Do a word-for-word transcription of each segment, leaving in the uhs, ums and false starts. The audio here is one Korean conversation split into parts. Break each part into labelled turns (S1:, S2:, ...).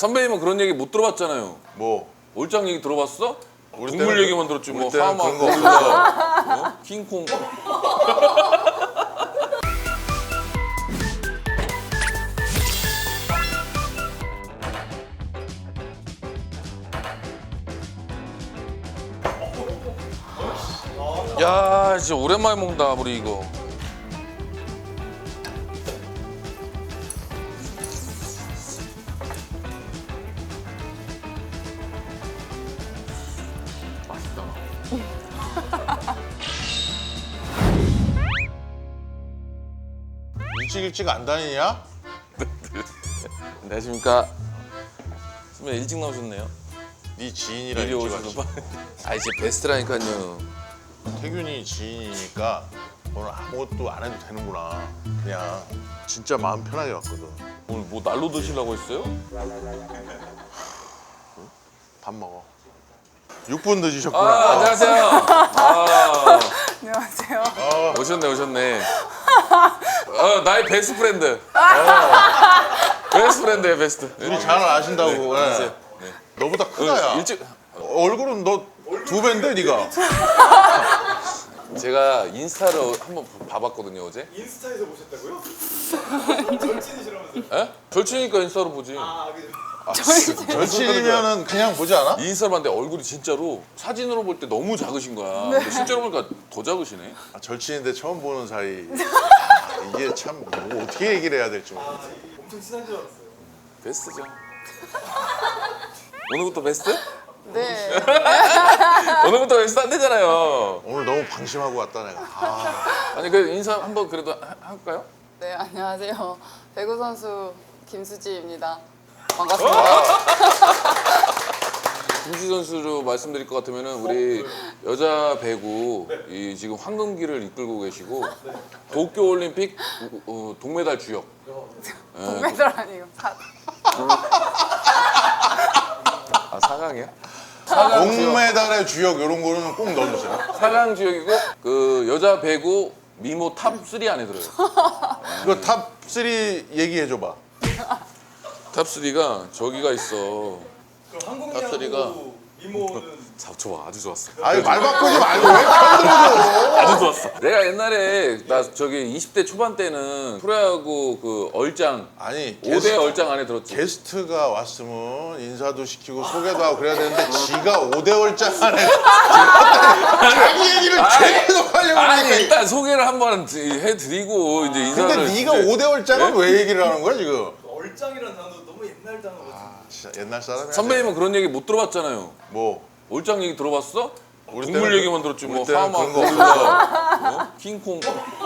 S1: 선배님은 그런 얘기 못 들어봤잖아요.
S2: 뭐?
S1: 올장 얘기 들어봤어?
S2: 우리
S1: 동물
S2: 때는
S1: 얘기만 들었지 뭐
S2: 우리 때는
S1: 하마,
S2: 그런 거
S1: 고릴라, 어? 킹콩. 야, 진짜 오랜만에 먹는다 우리 이거.
S2: 일찍 일찍 안 다니냐?
S1: 안녕하십니까. 선배 일찍 나오셨네요.
S2: 네 지인이라
S1: 미리
S2: 일찍
S1: 오셔서.
S2: 왔지.
S1: 아 이제 베스트라니까요.
S2: 태균이 지인이니까 오늘 아무것도 안 해도 되는구나. 그냥 진짜 마음 편하게 왔거든.
S1: 오늘 뭐 날로 드시려고 했어요?
S2: 밥 먹어. 육 분 늦으셨구나.
S1: 아, 안녕하세요. 아,
S3: 안녕하세요.
S1: 오셨네, 오셨네. 어, 나의 베스트 프렌드. 어, 베스트 프렌드예요, 베스트.
S2: 우리 잘 아신다고. 예.
S1: 드세요. 네.
S2: 너보다 크다, 야.
S1: 어, 일찍
S2: 얼굴은 너 두 배인데, 네가.
S1: 제가 인스타로 한번 봐봤거든요, 어제.
S4: 인스타에서 보셨다고요? 절친이시라면서요?
S1: 에? 절친이니까 인스타로 보지.
S4: 아, 그죠.
S2: 절친이면은 그냥 보지 않아?
S1: 인스타로 봤는데 얼굴이 진짜로 사진으로 볼 때 너무 작으신 거야. 근데 실제로 보니까 더 작으시네.
S2: 아, 절친인데 처음 보는 사이. 아, 이게 참 뭐 어떻게 얘기를 해야 될지 모르겠어.
S4: 아, 엄청 친한 줄 알았어요.
S1: 베스트죠. 오늘부터 베스트?
S3: 네.
S1: 오늘부터 베스트 안 되잖아요.
S2: 오늘 너무 방심하고 왔다 내가. 아,
S1: 아니 그 인사 한번 그래도 하- 할까요?
S3: 네, 안녕하세요. 배구 선수 김수지입니다. 반갑습니다.
S1: 김지 선수로 말씀드릴 것 같으면은 우리 여자 배구 이 지금 황금기를 이끌고 계시고 도쿄 올림픽 어, 동메달 주역. 예,
S3: 동메달 아니고 사.
S1: 아 사강이야? 사강 주역.
S2: 동메달의 주역 이런 거는 꼭 넣어주세요.
S1: 사강 주역이고 그 여자 배구 미모 탑 쓰리 안에 들어요.
S2: 이거 탑 쓰리 얘기해 줘봐.
S1: 탑 쓰리가 저기가 있어.
S4: 그럼
S1: 탑쓰리가
S4: 한국야구 미모는
S1: 자, 좋아, 아주 좋았어.
S2: 아니 말 바꾸지 말고 왜 편들어줘?
S1: 아주 좋았어. 내가 옛날에 나 저기 이십 대 초반 때는 프로야구 그 얼짱
S2: 아니
S1: 오 대 얼짱 안에 들었지.
S2: 게스트가 왔으면 인사도 시키고 소개도 하고 그래야 되는데 지가 오 대 월장 안에 자기 얘기를 계속 하려고
S1: 아니
S2: 하니까.
S1: 일단 소개를 한번 해드리고 이제 인사를.
S2: 근데 네가
S1: 이제-
S2: 오 대 월장은
S1: 네?
S2: 왜 얘기를 하는 거야 지금?
S4: 얼짱이라는 단어 너무 옛날 단어 같은.
S2: 아 진짜 옛날 사람이야.
S1: 선배님은 그런 얘기 못 들어봤잖아요.
S2: 뭐
S1: 얼짱 얘기 들어봤어?
S2: 우리
S1: 동물
S2: 때는
S1: 얘기만 들었지
S2: 우리
S1: 뭐
S2: 때는
S1: 하마,
S2: 그런 거
S1: 고릴라, 어? 킹콩.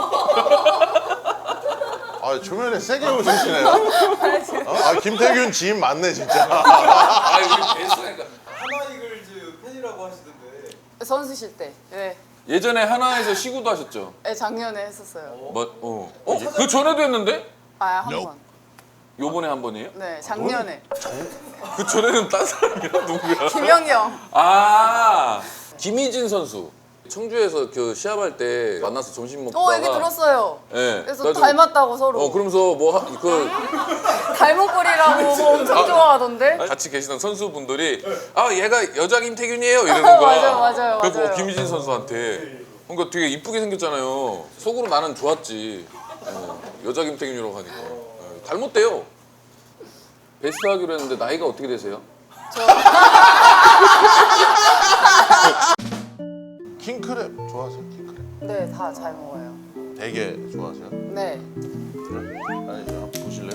S2: 아 초면에 세게 웃으시네요. 어? 아 김태균 지인 맞네 진짜.
S1: 아 우리 베스트니까.
S4: 하나이글즈 팬이라고 하시던데.
S3: 선수실 때. 네.
S1: 예전에 하나에서 시구도 하셨죠?
S3: 네, 작년에 했었어요.
S1: 뭐, 어. 어? 그 전에도 했는데?
S3: 아, 한 번.
S1: 요번에 한 번이에요?
S3: 네, 작년에.
S1: 그 전에는 딴 사람이야 누구야?
S3: 김영경.
S1: 아 김희진 선수 청주에서 그 시합할 때 만나서 점심 먹다가
S3: 어, 얘기 들었어요.
S1: 예.
S3: 그래서
S1: 그래가지고-
S3: 닮았다고 서로.
S1: 어 그러면서 뭐그
S3: 닮은 꼴이라고 뭐 엄청 좋아하던데.
S1: 같이 계시던 선수분들이 아 얘가 여자 김태균이에요 이러는 거야.
S3: 맞아요, 맞아요,
S1: 그래서
S3: 맞아요.
S1: 김희진 선수한테 그러니까 되게 이쁘게 생겼잖아요. 속으로 나는 좋았지. 어, 여자 김태균이라고 하니까 예, 닮았대요. 베스트 하기로 했는데 나이가 어떻게 되세요?
S2: 킹크랩 좋아하세요? 킹크랩.
S3: 네, 다 잘 먹어요.
S2: 되게 좋아하세요?
S3: 네.
S2: 그래? 아니 저 한번 보실래요?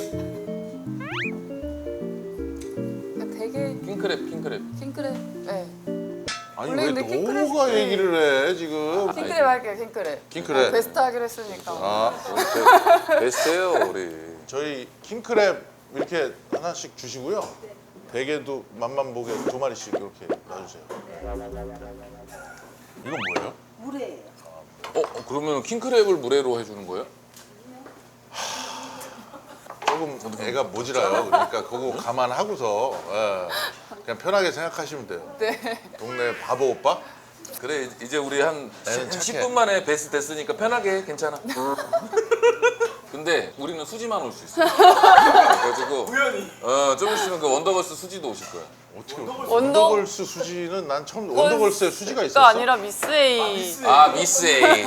S3: 되게
S1: 킹크랩 킹크랩.
S3: 킹크랩. 네.
S2: 아니
S3: 원래
S2: 왜
S3: 근데 킹크랩
S2: 너가
S3: 때-
S2: 얘기를 해 지금?
S3: 킹크랩 할게요, 킹크랩.
S2: 킹크랩.
S3: 어, 베스트 하기로 했으니까.
S2: 아
S1: 베- 베스트예요 우리.
S2: 저희 킹크랩 이렇게 하나씩 주시고요. 대게도 맛만 보게 두 마리씩 이렇게 놔주세요. 이건 뭐예요?
S5: 물회예요.
S1: 어, 어 그러면 킹크랩을 물회로 해주는 거예요?
S2: 조금 애가 모질아요. 그러니까 그거 감안하고서 예, 그냥 편하게 생각하시면 돼요.
S3: 네.
S2: 동네 바보 오빠?
S1: 그래 이제 우리 한
S2: 애는 착해.
S1: 십 분 만에 베스트 됐으니까 편하게 해, 괜찮아. 근데 우리는 수지만 올 수 있어. 그래가지고
S4: 우연히.
S1: 어, 좀 있으면 그 원더걸스 수지도 오실 거야.
S2: 어떻게
S3: 원더-
S2: 원더걸스 수지는 난 처음 원더걸스에 수지가 있었어.
S3: 가 아니라 미스 A.
S4: 미스.
S1: 아 미스 A.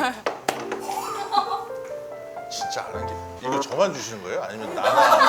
S2: 진짜 안 한 게. 이거 저만 주시는 거예요? 아니면 나는?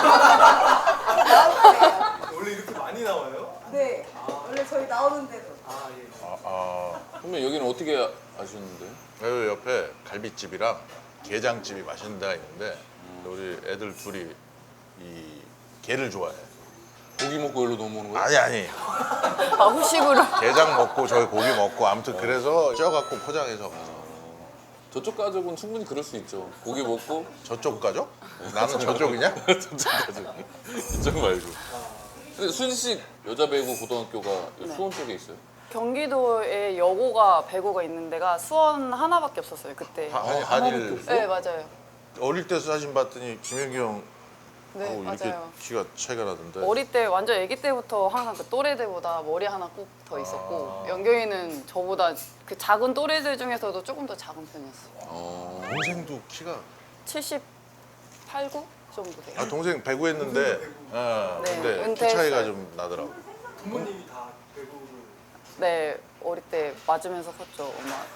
S4: 원래 이렇게 많이 나와요?
S5: 네. 원래 저희 나오는데도.
S4: 아 예.
S2: 아, 아.
S1: 그러면 여기는 어떻게 아셨는데?
S2: 여기 옆에 갈비집이랑 게장집이 맛있는 데가 있는데 우리 애들 둘이 이 게를 좋아해.
S1: 고기 먹고 여기로 넘어오는 거야?
S2: 아니 아니.
S3: 아, 후식으로.
S2: 게장 먹고 저기 고기 먹고 아무튼 그래서 쪄갖고 포장해서
S1: 저쪽 가족은 충분히 그럴 수 있죠. 고기 먹고
S2: 저쪽 가족? 나는 저쪽이냐?
S1: 저쪽 가족. 이쪽 말고. 근데 수지 씨 여자 배구 고등학교가 수원 쪽에 있어요?
S3: 경기도에 여고가 배구가 있는 데가 수원 하나밖에 없었어요 그때.
S2: 하- 아니,
S1: 하나밖에
S2: 한일
S1: 없어?
S3: 네 맞아요.
S2: 어릴 때 사진 봤더니 김현기 형
S3: 네
S2: 하고 이렇게
S3: 맞아요.
S2: 키가 차이가 나던데.
S3: 어릴 때 완전 아기 때부터 항상 그 또래들보다 머리 하나 꼭 더 있었고
S2: 아.
S3: 연경이는 저보다 그 작은 또래들 중에서도 조금 더 작은 편이었어요.
S1: 어.
S2: 동생도 키가
S3: 칠십팔, 구 정도 돼요.
S2: 아 동생 배구했는데 어,
S3: 네,
S2: 근데 키
S3: 은퇴했어요.
S2: 차이가 좀 나더라고.
S4: 부모님이 다 배구를.
S3: 네 어릴 때 맞으면서 컸죠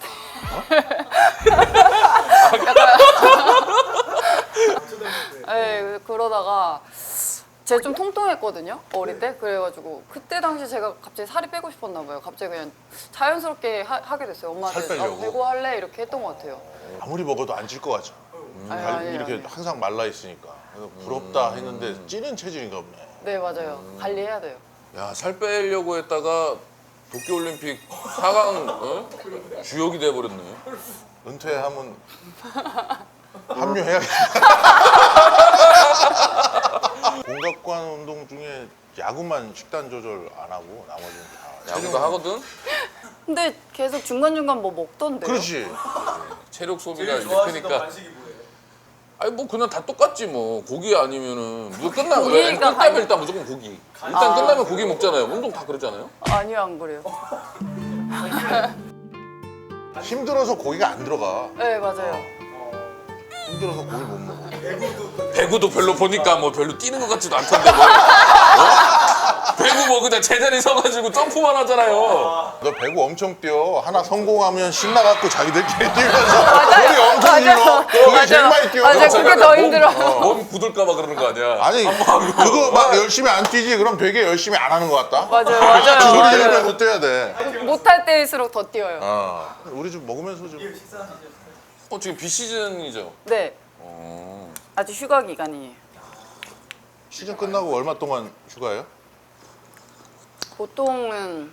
S3: 엄마한테.
S4: 초등학교 때.
S3: 네 그러다가 제가 좀 통통했거든요 어릴 때. 그래가지고 그때 당시 제가 갑자기 살이 빼고 싶었나 봐요. 갑자기 그냥 자연스럽게 하, 하게 됐어요.
S2: 살
S3: 엄마한테
S2: 빼려고?
S3: 나 배구 할래 이렇게 했던 것 같아요.
S2: 아무리 먹어도 안 찔 것 같죠. 음,
S3: 아니,
S2: 갈-
S3: 아니,
S2: 이렇게
S3: 아니.
S2: 항상 말라 있으니까 그래서 부럽다 했는데 찌는 체질인가 보네.
S3: 네 맞아요. 관리해야 돼요.
S1: 야, 살 빼려고 했다가 도쿄올림픽 사 강 어? 주역이 돼버렸네.
S2: 은퇴하면 합류해야겠다. 공각관 운동 중에 야구만 식단 조절 안 하고 나머지는 다
S1: 야구도 하거든?
S3: 근데 계속 중간중간 뭐 먹던데요?
S2: 그렇지.
S1: 체력 소비가
S4: 제일
S1: 이렇게
S4: 좋아하시던
S1: 크니까.
S4: 간식이 뭐예요?
S1: 아니 뭐 그냥 다 똑같지 뭐. 고기 아니면은 무조건 끝나면
S3: 고기가
S1: 끝나면
S3: 간-
S1: 일단 무조건 고기. 일단
S3: 아.
S1: 끝나면 고기 먹잖아요. 운동 다 그러잖아요.
S3: 아니요 안 그래요.
S2: 힘들어서 고기가 안 들어가.
S3: 네 맞아요.
S2: 힘들어서 고기 못 먹어.
S4: 배구도
S1: 배구도 별로 보니까 뭐 별로 뛰는 것 같지도 않던데 뭐. 어? 배구 뭐 그냥 제자리 서가지고 점프만 하잖아요.
S2: 너 배구 엄청 뛰어. 하나 성공하면 신나갖고 자기들끼리 뛰면서 우리 엄청
S3: 맞아요.
S2: 힘들어. 그게
S3: 맞아요.
S2: 제일 많이 뛰어.
S3: 맞아요. 그게 더
S1: 몸-
S3: 힘들어.
S1: 몸 굳을까봐 그러는 거 아니야?
S2: 아니 그거 막 열심히 안 뛰지 그럼 되게 열심히 안 하는 것 같다.
S3: 맞아요
S2: 그 소리
S3: 맞아요. 맞아요.
S2: 지르면서 뛰어야 돼.
S3: 못할 때일수록 더 뛰어요.
S2: 어. 우리 좀 먹으면서 좀.
S4: 이게 식사하시죠?
S1: 어 지금 비시즌이죠?
S3: 네
S1: 어.
S3: 아직 휴가 기간이에요.
S2: 시즌 끝나고 얼마 동안 휴가예요?
S3: 보통은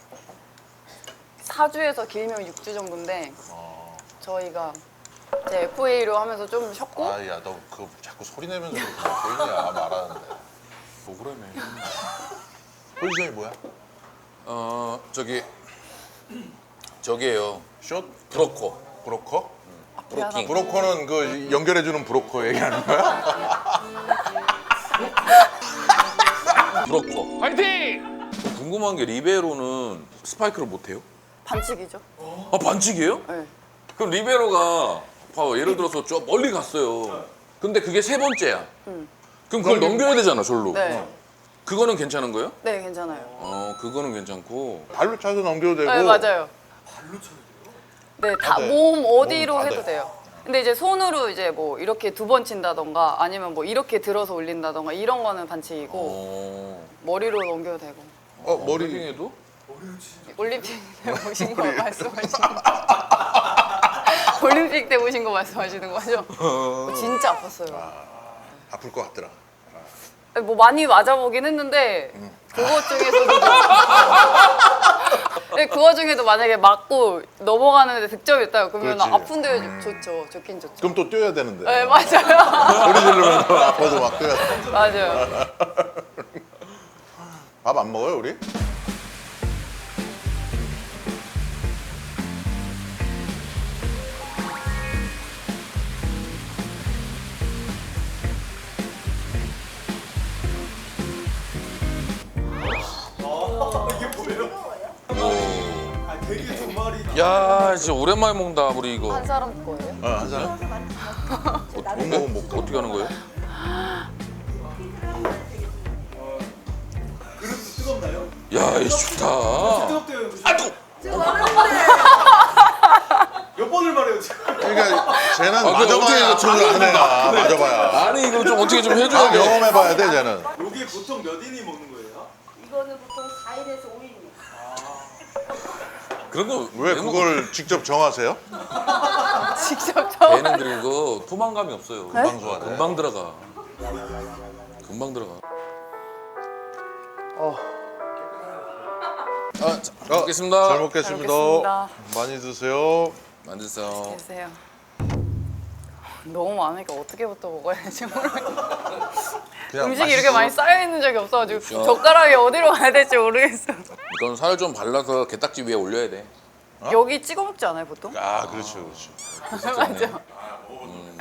S3: 사 주에서 길면 육 주 정도인데
S2: 어.
S3: 저희가 이제 에프에이로 하면서 좀 쉬었고
S2: 아야 너 그거 자꾸 소리 내면서 그렇게 보이냐 말하는데.
S1: 뭐 그러네.
S2: 포지션이 뭐야?
S1: 어 저기 저기에요.
S2: 숏?
S1: 브로커.
S2: 브로커?
S1: 브로킹.
S2: 브로커는 그 연결해주는 브로커 얘기하는 거야?
S1: 브로커. 파이팅! 궁금한 게 리베로는 스파이크를 못 해요?
S3: 반칙이죠.
S1: 아 반칙이에요?
S3: 네.
S1: 그럼 리베로가 봐봐 예를 들어서 저 멀리 갔어요. 근데 그게 세 번째야.
S3: 음.
S1: 그럼 그걸 넘겨야 되잖아 절로.
S3: 네.
S1: 그거는 괜찮은 거예요?
S3: 네 괜찮아요.
S1: 어 그거는 괜찮고.
S2: 발로 차서 넘겨도 되고.
S3: 네 맞아요.
S4: 발로 쳐야 돼요?
S3: 네, 다
S2: 돼.
S3: 몸 어디로
S2: 몸다
S3: 해도
S2: 돼.
S3: 돼요. 근데 이제 손으로 이제 뭐 이렇게 두 번 친다던가 아니면 뭐 이렇게 들어서 올린다던가 이런 거는 반칙이고
S1: 어.
S3: 머리로 넘겨도 되고.
S2: 어 머리.
S1: 헤딩해도?
S4: 머리로 치시죠?
S3: 올림픽 때 보신 거 말씀하시는 거. 올림픽 때 보신 거 말씀하시는 거죠? 진짜 아팠어요.
S2: 아플 것 같더라.
S3: 뭐 많이 맞아보긴 했는데 그것 중에서도 네, 그 와중에도 만약에 맞고 넘어가는데 득점이 있다 그러면
S2: 그렇지.
S3: 아픈데 좋죠. 좋긴 좋죠.
S2: 그럼 또 뛰어야 되는데.
S3: 네 맞아요.
S2: 소리 지르면서 아파도 막 뛰어야 돼.
S3: 맞아요.
S2: 밥 안 먹어요 우리?
S4: 아 이게 뭐예요?
S1: 오.
S4: 아 되게 두 마리.
S1: 야 진짜 오랜만에 먹는다 우리 이거.
S3: 한 사람 거예요?
S2: 어, 한 사람.
S1: 어,
S2: 못 먹으면 못 가.
S1: 어떻게 하는 거예요?
S4: 그릇도 뜨겁나요?
S1: 야, 이 좋다.
S4: 뜨겁대요.
S1: 아이고.
S5: 지금 말했는데.
S4: 몇 번을 말해요 지금.
S2: 그러니까 쟤는
S1: 아, 그거 어떻게
S2: 맞아봐야
S1: 이거
S2: 저를 안 해야. 맞아봐야.
S1: 아니 이거 좀 어떻게 좀
S2: 아,
S1: 해줘야 돼.
S2: 경험해봐야 돼 쟤는.
S4: 여기 보통 몇 인이 먹는 거예요?
S5: 이거는 보통 사 일에서 오 일이에요.
S1: 그런 거
S2: 왜 그걸 직접 정하세요?
S3: 직접 저.
S1: 얘는 그리고 포만감이 없어요.
S2: 금방 소화돼.
S1: 금방 들어가. 금방 들어가. 아, 자,
S2: 어,
S1: 먹겠습니다.
S2: 잘 먹겠습니다.
S3: 잘 먹겠습니다.
S2: 많이 드세요.
S1: 만드세요.
S3: 드세요. 너무 많으니까 어떻게부터 먹어야 될지 모르겠어.
S2: 그냥
S3: 음식이 이렇게 많이 쌓여 있는 적이 없어가지고
S1: 그렇죠.
S3: 젓가락이 어디로 가야 될지 모르겠어.
S1: 이건 살 좀 발라서 게딱지 위에 올려야 돼.
S3: 여기 찍어 먹지 않아요 보통?
S2: 아, 그렇지, 그렇지.
S3: 맞죠.
S1: 음.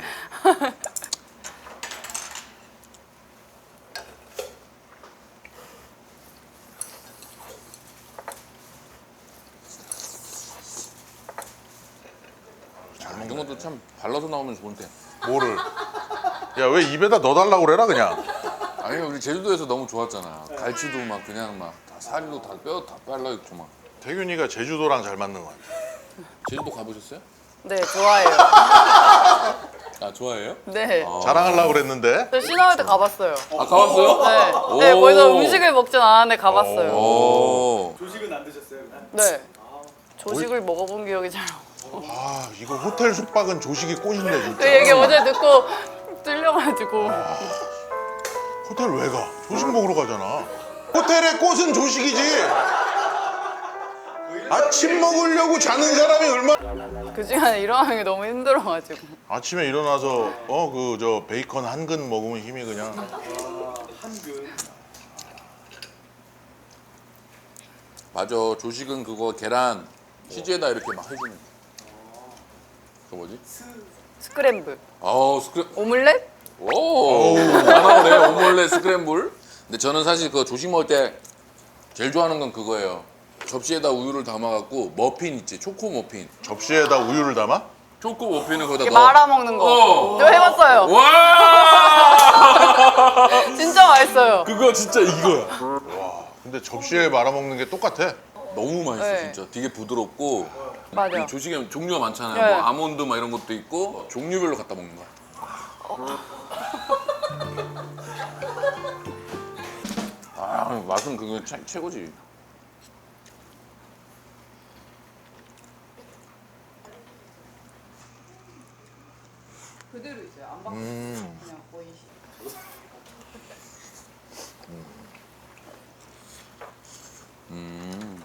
S1: 이런 것도 참 발라서 나오면 좋은데.
S2: 뭐를? 야, 왜 입에다 넣어달라고 그래라 그냥.
S1: 아니 우리 제주도에서 너무 좋았잖아. 갈치도 막 그냥 막 다 살도 다 뼈 다 발라 있고 막.
S2: 태균이가 제주도랑 잘 맞는 것 같아.
S1: 제주도 가보셨어요?
S3: 네 좋아해요.
S1: 아 좋아해요?
S3: 네.
S1: 아.
S2: 자랑하려고 그랬는데.
S3: 저 신화할 때 가봤어요.
S1: 아 가봤어요?
S3: 네. 네
S1: 오.
S3: 거기서 음식을 먹진 않았는데 가봤어요.
S1: 오.
S4: 조식은 안 드셨어요? 그냥?
S3: 네. 조식을 먹어본 기억이 잘 없어요.
S2: 아, 이거 호텔 숙박은 조식이 꽃인데 진짜.
S3: 그 얘기 어제 듣고 뚫려가지고.
S2: 호텔 왜 가? 조식 먹으러 가잖아. 호텔의 꽃은 조식이지. 아침 먹으려고 자는 사람이 얼마?
S3: 그 시간에 일어나는 게 너무 힘들어가지고.
S2: 아침에 일어나서 어 그 저 베이컨 한 근 먹으면 힘이 그냥.
S4: 한근.
S1: 맞아. 조식은 그거 계란 치즈에다 이렇게 막 해주는 거. 그 뭐지?
S3: 스크램블.
S1: 아우 스크램.
S3: 오믈렛?
S1: 오. 다 나오네. 오믈렛 스크램블. 근데 저는 사실 그 조식 먹을 때 제일 좋아하는 건 그거예요. 접시에다 우유를 담아갖고 머핀 있지. 초코 머핀.
S2: 접시에다 우유를 담아?
S1: 초코 머핀을 거기다
S3: 이렇게
S1: 넣어.
S3: 말아 먹는 거.
S1: 어.
S3: 저 해봤어요.
S1: 와.
S3: 진짜 맛있어요.
S1: 그거 진짜 이거야.
S2: 와, 근데 접시에 말아 먹는 게 똑같아.
S1: 너무 맛있어
S3: 네.
S1: 진짜. 되게 부드럽고.
S3: 맞아.
S1: 이 조식에 종류가 많잖아요.
S3: 네.
S1: 뭐 아몬드 막 이런 것도 있고 종류별로 갖다 먹는 거야. 아 맛은 그거 최, 최고지.
S3: 그대로 있어요. 안 바꿔.
S2: 음.
S3: 그냥 거의.
S1: 음.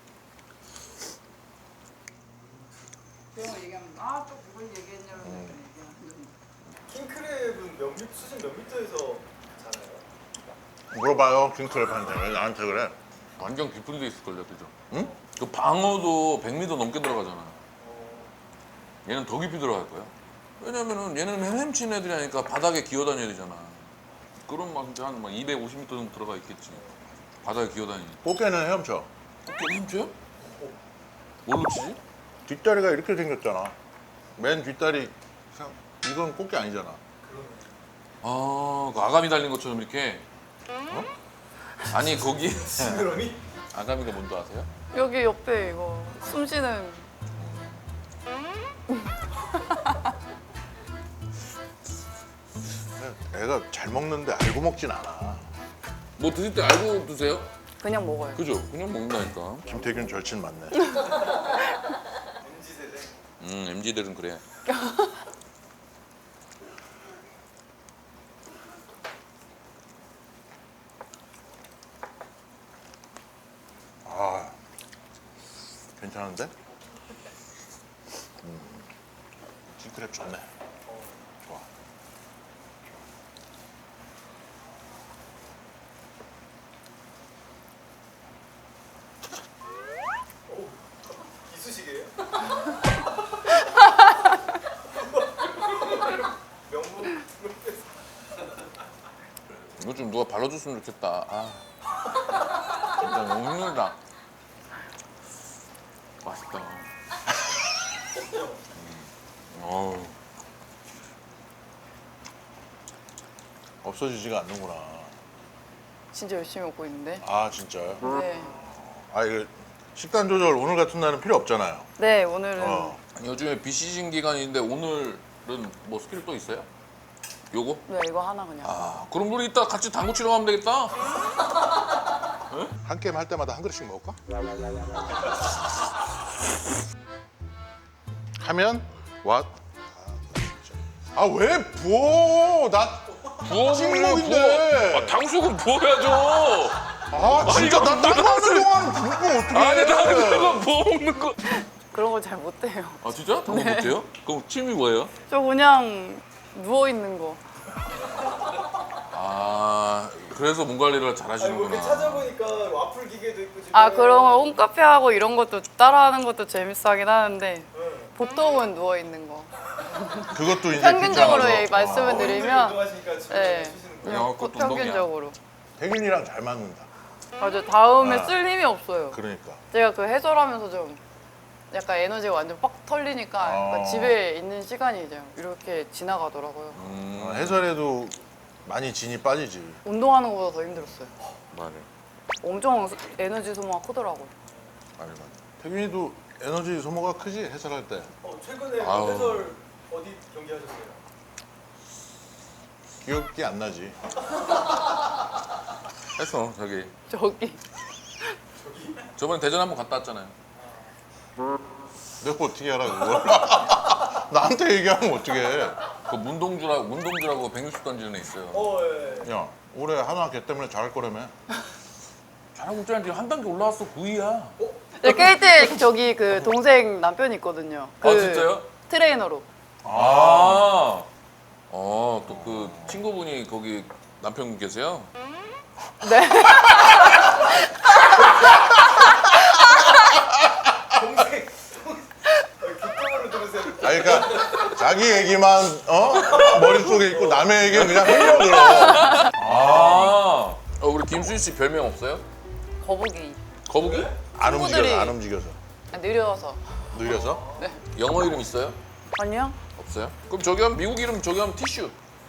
S3: 그런 거 얘기하면 아또 그걸 얘기했냐고 얘기하는.
S4: 킹크랩은 몇 미, 수심 몇 미터에서 자나요?
S2: 물어봐요, 킹크랩한테. 왜 나한테 그래?
S1: 완전 깊은 데 있을걸요, 그죠?
S2: 응?
S1: 그 방어도 백 미터 넘게 들어가잖아. 얘는 더 깊이 들어갈 거야. 왜냐면은 얘는 헤엄치는 애들이 아니까 바닥에 기어다녀야 되잖아. 그런 막 진짜 한 이백오십 미터 정도 들어가 있겠지. 바닥에 기어다니니.
S2: 꽃게는 헤엄쳐.
S1: 어깨 헤엄쳐요? 뭘로 치지?
S2: 뒷다리가 이렇게 생겼잖아. 맨 뒷다리. 이건 꽃게 아니잖아.
S1: 아, 그 아가미 달린 것처럼 이렇게. 어? 아니 거기
S4: 싱그러미?
S1: 아가미가 뭔지 아세요?
S3: 여기 옆에 이거 숨 쉬는.
S2: 애가 잘 먹는데 알고 먹진 않아.
S1: 뭐 드실 때 알고 드세요?
S3: 그냥 먹어요.
S1: 그죠? 그냥 먹는다니까.
S2: 김태균 절친 맞네.
S4: 엠지 세대.
S1: 음, 엠지들은 그래.
S2: 아, 괜찮은데? 음, 킹크랩 좋네. 좋아.
S4: 이쑤시개예요? 명품.
S1: 이거 좀 누가 발라줬으면 좋겠다. 아, 진짜 너무 힘들다. 맛있다. 음. 어우.
S2: 없어지지가 않는구나.
S3: 진짜 열심히 먹고 있는데.
S2: 아 진짜요?
S3: 네.
S2: 아 이거 식단 조절 오늘 같은 날은 필요 없잖아요.
S3: 네, 오늘은
S2: 어.
S1: 아니, 요즘에 비시즌 기간인데 오늘은 뭐 스킬 또 있어요? 요거?
S3: 네, 이거 하나 그냥.
S1: 아 그럼 우리 이따 같이 당구 치러 가면 되겠다.
S2: 한 게임 할 때마다 한 그릇씩 먹을까? 하면 왓? 아 왜 부어? 나
S1: 부어버려
S2: 찍먹인데.
S1: 부어. 아, 당수는 부어야죠.
S2: 아 진짜
S1: 이거
S2: 나 딴거 하는
S1: 무슨-
S2: 동안 굶으면 어떡해?
S1: 아니 나는 그거 부어 먹는 거.
S3: 그런 걸 잘 못해요.
S1: 아 진짜? 당구 못해요? 그럼 취미 뭐예요?
S3: 저 그냥 누워 있는 거.
S1: 아 그래서 몸 관리를 잘
S4: 아니 뭐 이렇게
S1: 하시는구나.
S4: 찾아보니까 와플 기계도 있고 집에.
S3: 아, 그런 걸 홈카페 하고 이런 것도 따라하는 것도 재밌어 하긴 하는데 보통은 누워 있는 거.
S2: 그것도 이제
S3: 평균적으로
S2: 귀찮아서.
S3: 예, 말씀을 드리면
S4: 운동하시니까 집에
S3: 네.
S4: 쉬시는 거예요?
S3: 그냥
S1: 영화
S3: 꼭
S1: 것도 운동이야.
S3: 평균적으로.
S2: 태균이랑 잘 맞는다.
S3: 맞아, 다음에
S2: 아.
S3: 쓸 힘이 없어요.
S2: 그러니까.
S3: 제가 그 해설하면서 좀 약간 에너지가 완전 빡 털리니까 약간
S2: 어.
S3: 집에 있는 시간이 이제 이렇게 지나가더라고요.
S1: 음,
S2: 어, 해설에도 많이 진이 빠지지.
S3: 운동하는 것보다 더 힘들었어요.
S1: 맞아.
S3: 엄청 에너지 소모가 크더라고요.
S2: 맞아 맞아. 태균이도 에너지 소모가 크지 해설할 때.
S4: 어, 최근에
S1: 아우.
S4: 해설 어디 경기 하셨어요?
S2: 기억이 안 나지.
S1: 했어 저기.
S3: 저기
S1: 저번에 대전 한번 갔다 왔잖아요.
S2: 내가 어떻게 알아 그걸? 나한테 얘기하면 어떡해.
S1: 그 문동주라고 문동주라고 백육십 던지는 애 있어요.
S4: 어, 예. 예.
S2: 야 올해 한화 걔 때문에 잘할 거라며.
S1: 잘하고 있잖아. 지금 한 단계 올라왔어. 구 위야.
S3: 네, 케이티 저기 그 동생 남편이 있거든요. 그
S1: 아 진짜요?
S3: 트레이너로.
S1: 아. 어, 또 그 친구분이 거기 남편 계세요?
S3: 네.
S4: 동생. 귓가으로 들으세요.
S2: 아니 그러니까 자기 얘기만 어 머릿속에 있고 남의 얘기는 그냥 흘려들어.
S1: 아. 어, 우리 김수희 씨 별명 없어요?
S3: 거북이.
S1: 거북이?
S2: 안
S3: 친구들이-
S2: 움직여서 안 움직여서
S3: 아, 느려서.
S2: 느려서.
S1: 영어 이름 있어요?
S3: 아니요?
S1: 없어요? 그럼 저기 하면 미국 이름 저기 하면 티슈.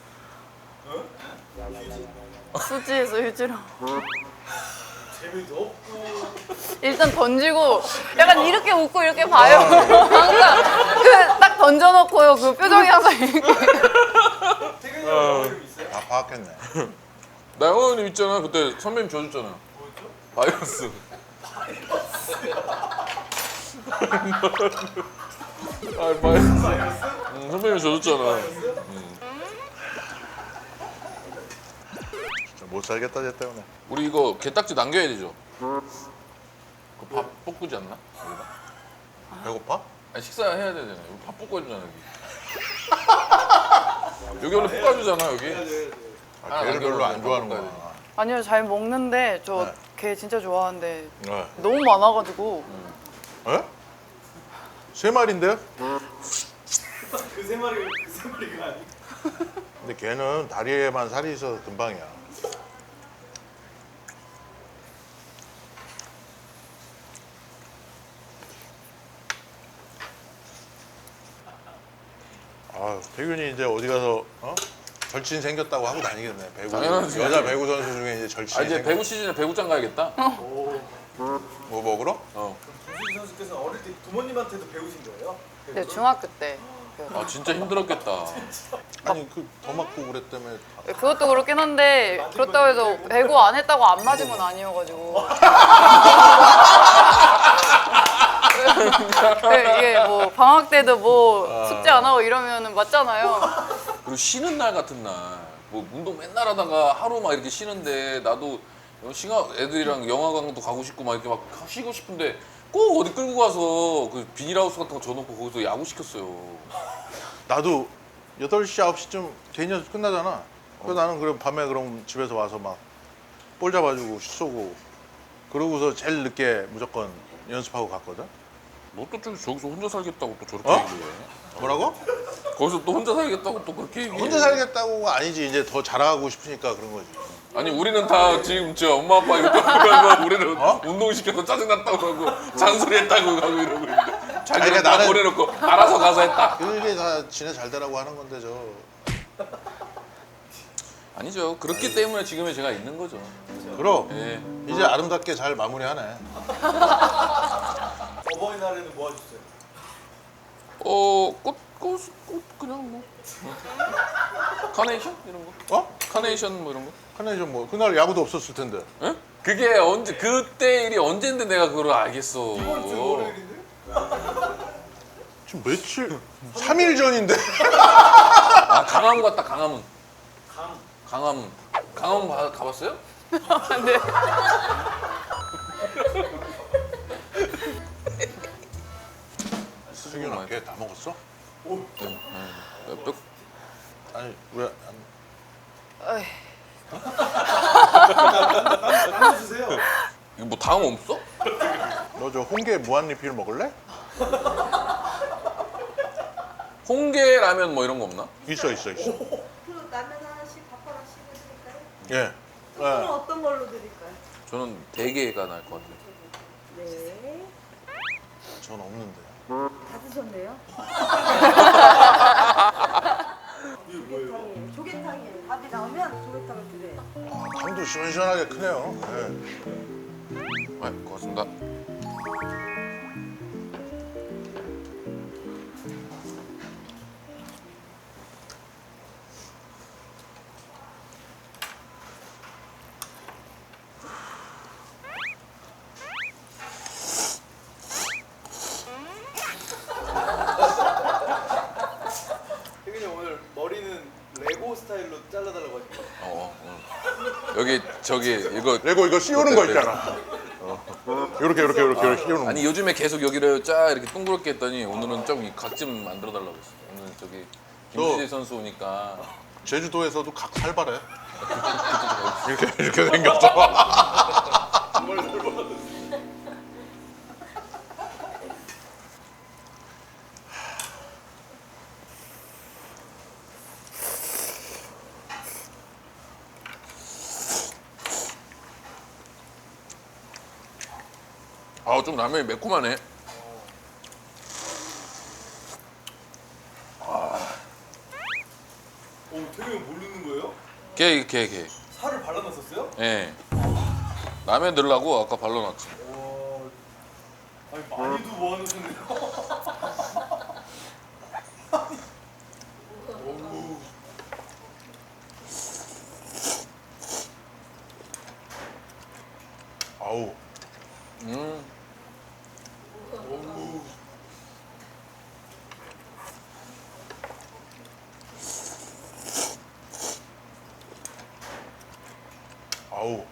S3: 수지에서 휴지로.
S4: 재미도 없고.
S3: 일단 던지고 약간 이렇게 웃고 이렇게 봐요. 항상 그 딱 던져놓고요. 그 표정이 항상 이렇게.
S4: 태균이 형 영어 이름 있어요?
S2: 다 파악했네.
S1: 나 영어 이름 있잖아. 그때 선배님 줘줬잖아.
S4: 뭐였죠?
S1: 바이러스. 아, 바이러스.
S4: 바이러스?
S1: 응, 선배님 줘줬잖아.
S4: 바이러스?
S2: 진짜 못 살겠다 쟤 때문에.
S1: 우리 이거 게딱지 남겨야 되죠? 그 밥 볶지 않나?
S2: 배고파?
S1: 아니 식사해야 되잖아요. 여기 밥 볶아주잖아 여기. 여기 원래 볶아주잖아 여기.
S4: 네, 네.
S2: 아,
S1: 하나
S2: 걔를 별로 안
S1: 남겨놓으면
S2: 좋아하는구나.
S3: 아니요, 잘 먹는데 저
S2: 네.
S3: 걔 진짜 좋아하는데
S2: 네.
S3: 너무 많아가지고
S2: 에? 세 마리인데요?
S4: 그 세 마리가 그 세 마리가 아니고.
S2: 근데 걔는 다리에만 살이 있어서 금방이야. 아, 태균이 이제 어디 가서 어? 절친 생겼다고 하고 다니겠네. 배구
S1: 당연하지.
S2: 여자 배구 선수 중에 이제 절친이
S1: 아 이제
S2: 생겼.
S1: 배구 시즌에 배구장 가야겠다.
S2: 뭐 먹으러?
S1: 어.
S4: 김수지 선수께서 어릴 때 부모님한테도 배우신 거예요?
S3: 네, 중학교 때.
S1: 아 진짜 힘들었겠다.
S2: 아니 그 더 맞고 그랬다며.
S3: 네, 그것도 그렇긴 한데 그렇다고 해서 배구 안 했다고 안 맞은 건 아니어가지고. 네, 이게 뭐 방학 때도 뭐 숙제 안 하고 이러면 맞잖아요.
S1: 그리고 쉬는 날 같은 날, 뭐 운동 맨날 하다가 하루 막 이렇게 쉬는데 나도 시간 애들이랑 영화관도 가고 싶고 막 이렇게 막 쉬고 싶은데 꼭 어디 끌고 가서 그 비닐하우스 같은 거 줘놓고 거기서 야구 시켰어요.
S2: 나도 여덟 시 아홉 시쯤 개인 연습 끝나잖아. 그래서 나는 그럼 밤에 그럼 집에서 와서 막 볼 잡아주고 쏘고 그러고서 제일 늦게 무조건 연습하고 갔거든.
S1: 너 또 저기서 혼자 살겠다고 또 저렇게
S2: 어?
S1: 얘기해.
S2: 뭐라고?
S1: 거기서 또 혼자 살겠다고 또 그렇게 얘기해.
S2: 혼자 살겠다고가 아니지. 이제 더 잘하고 싶으니까 그런 거지.
S1: 아니 우리는 다 지금 저 엄마 아빠 이거 하고 우리는
S2: 어?
S1: 운동시켜서 짜증났다고 하고 잔소리했다고 하고 이러고 있는데 자기는
S2: 그러니까
S1: 다
S2: 나는-
S1: 보내놓고 알아서 가서 했다.
S2: 그게 다 지네 잘 되라고 하는 건데 저.
S1: 아니죠. 그렇기 때문에 지금의 제가 있는 거죠.
S2: 그럼
S1: 예.
S2: 이제 아름답게 잘 마무리하네.
S4: 어버이날에는 뭐 하셨어요?
S1: 어, 꽃, 꽃, 꽃 그냥 뭐 카네이션 이런 거?
S2: 어?
S1: 카네이션 뭐 이런 거?
S2: 카네이션 뭐 그날 야구도 없었을 텐데.
S1: 예? 그게 언제 그때 일이 언젠데 내가 그걸 알겠어.
S4: 이번 주 월요일인데?
S2: 지금 며칠? 삼 일 전인데.
S1: 아 강화문 갔다 강화문.
S4: 강.
S1: 강화문. 강화문 가, 가봤어요?
S3: 네.
S2: 승윤아 걔 다 먹었어?
S4: 오.
S1: 네, 네. 뼈,
S2: 아니 왜 안...
S3: 어이,
S4: 나눠주세요.
S1: 이거 뭐 다음 없어?
S2: 너 저 홍게 무한리필 먹을래?
S1: 홍게 라면 뭐 이런 거 없나?
S2: 있어 있어 있어.
S5: 그 라면 하나씩 밥 하나씩 해드릴까요?
S2: 예.
S5: 그럼
S2: 예.
S5: 어떤 걸로 드릴까요?
S1: 저는 대게가 나을 것 같아요.
S5: 네.
S2: 전 없는데.
S5: 다 드셨네요?
S4: 이게 뭐예요?
S5: 조개탕이에요. 조개탕이에요. 밥이 나오면 조개탕을 드려요.
S2: 당도 시원시원하게 크네요. 예.
S1: 네, 고맙습니다.
S4: 태균이 오늘 머리는 레고 스타일로 잘라달라고 하시고.
S1: 어, 어. 여기 저기 이거
S2: 레고 이거 씌우는 거 있잖아. 어. 요렇게 요렇게 요렇게 요렇게 씌우는 거.
S1: 아니 요즘에 계속 여기를 쫙 이렇게 둥그렇게 했더니 오늘은 좀 이 각 좀 만들어 달라고 했어. 오늘 저기 김수재 선수 오니까
S2: 제주도에서도 각 살벌해. 이렇게 이렇게 생겼어.
S1: 아 좀 라면이 매콤하네.
S4: 오, 태균이 모르는 거예요?
S1: 게, 게, 게.
S4: 살을 발라놨었어요?
S1: 예. 라면 넣으려고 아까 발라놨지.
S4: 와. 아니 많이도 모아놓으셨네요. 어우.
S2: 아우.
S1: 음.
S4: 어우.
S2: 아우.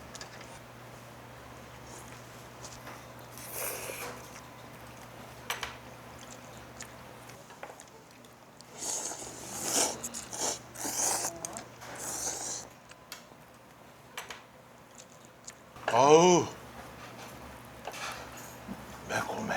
S2: 아우. 매콤해.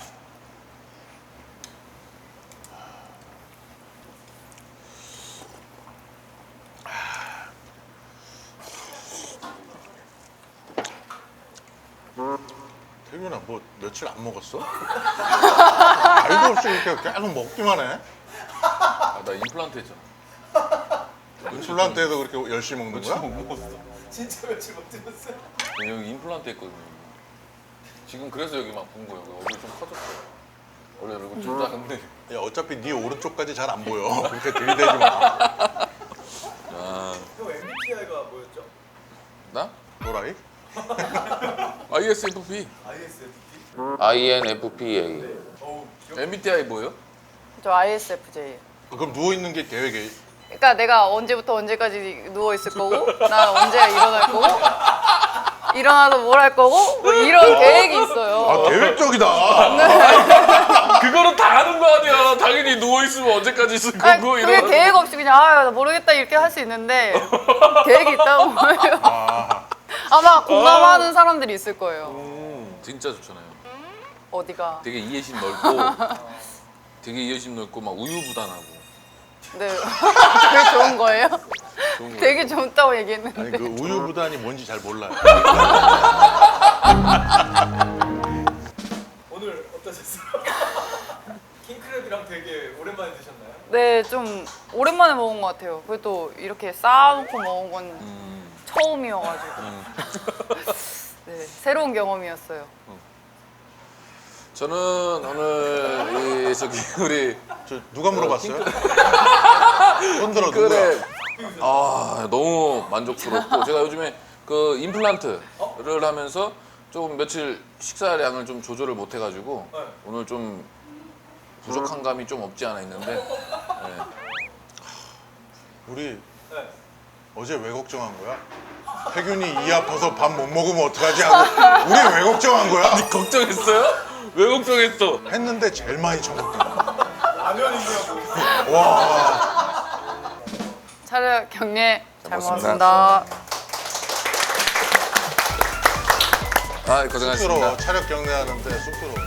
S2: 태균아 뭐 며칠 안 먹었어? 알도 없이 이렇게 계속 먹기만 해.
S1: 아, 나 임플란트 했잖아.
S2: 임플란트에도 그렇게 열심히 먹는 거야?
S1: 못 먹었어.
S4: 진짜 며칠 못 드셨어요?
S1: 여기 임플란트 했거든요. 지금 그래서 여기 막 본 거예요. 얼굴 좀 커졌어요. 원래 얼굴 좀 작은데.
S2: 야 어차피 네 오른쪽까지 잘 안 보여. 그렇게 들이대지 마.
S1: 아,
S4: 형 엠비티아이가 뭐였죠?
S1: 나?
S2: 노라이?
S1: 아이에스에프피.
S4: 아이에스에프피?
S1: 아이엔에프피에이.
S4: 어우, 기억.
S1: 엠비티아이 뭐예요?
S3: 저 아이에스에프제이.
S2: 그럼 누워 있는 게 계획이?
S3: 그러니까 내가 언제부터 언제까지 누워 있을 거고, 나 언제 일어날 거고, 일어나서 뭘 할 거고, 뭐 이런 계획이 있어요.
S2: 아 계획적이다.
S1: 그거는 다 아는 거 아니야. 당연히 누워있으면 언제까지 있을 거고.
S3: 아니, 그게
S1: 이러면서.
S3: 계획 없이 그냥 아, 나 모르겠다 이렇게 할 수 있는데 계획이 있다고 해요.
S2: 아,
S3: 아마 공감하는 사람들이 있을 거예요.
S1: 음, 진짜 좋잖아요.
S3: 어디가?
S1: 되게 이해심 넓고, 되게 이해심 넓고 막 우유부단하고.
S3: 네, 그게 좋은 거예요?
S1: 좋은 거.
S3: 되게 좋다고 얘기했는데.
S2: 아니 그 우유부단이 뭔지 잘 몰라요.
S4: 오늘 어떠셨어요? 킹크랩이랑 되게 오랜만에 드셨나요?
S3: 네, 좀 오랜만에 먹은 것 같아요. 그래도 이렇게 쌓아놓고 먹은 건
S1: 음.
S3: 처음이어가지고
S1: 음.
S3: 네, 새로운 경험이었어요.
S1: 저는 오늘 이 저기 우리
S2: 저 누가 물어봤어요? 손 들어 누구야?
S1: 그래 아 너무 만족스럽고 제가 요즘에 그 임플란트를 하면서 좀 며칠 식사량을 좀 조절을 못 해가지고
S4: 네.
S1: 오늘 좀 부족한 감이 좀 없지 않아 있는데 네.
S2: 우리
S4: 네.
S2: 어제 왜 걱정한 거야? 혜균이 이 아파서 밥 못 먹으면 어떡하지 하고 우리 왜 걱정한 거야?
S1: 걱정했어요? 왜 걱정했어?
S2: 했는데 제일 많이 처먹더라.
S4: 라면이냐고.
S2: 와.
S3: 차렷 경례 잘
S1: 먹었습니다.
S3: 먹었습니다.
S1: 아 고생하셨습니다.
S2: 쑥스러워. 차력 경례하는데 쑥스러워.